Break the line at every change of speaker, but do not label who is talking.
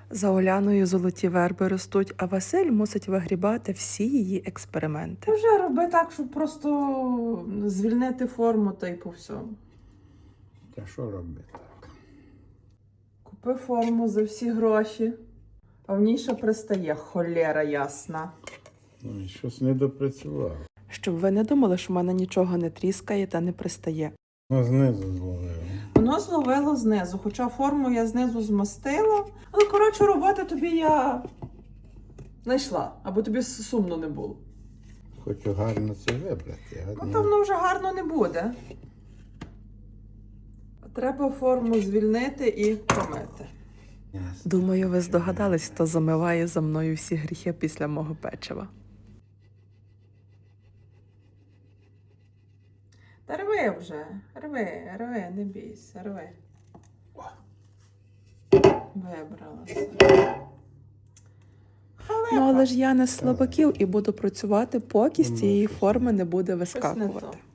За Оляною золоті верби ростуть, а Василь мусить вигрібати всі її експерименти.
Вже роби так, щоб просто звільнити форму та й по всьому.
Та що робити так?
Купи форму за всі гроші, а в ній ще пристає, холєра ясна.
Ну і щось не допрацював.
Щоб ви не думали, що в мене нічого не тріскає та не пристає.
Ну, знизу зловив.
Воно зловило знизу, хоча форму я знизу змастила. Але, коротше, роботи тобі я знайшла, аби тобі сумно не було.
Хочу гарно це вибрати.
Ну, то воно вже гарно не буде. Треба форму звільнити і помити.
Думаю, ви здогадались, хто замиває за мною всі гріхи після мого печива.
Та рви вже, рви, не бійся, рви. Вибралася.
Ну, але ж я не з слабаків і буду працювати, поки з цієї форми не буде
Щось не
вискакувати.
то.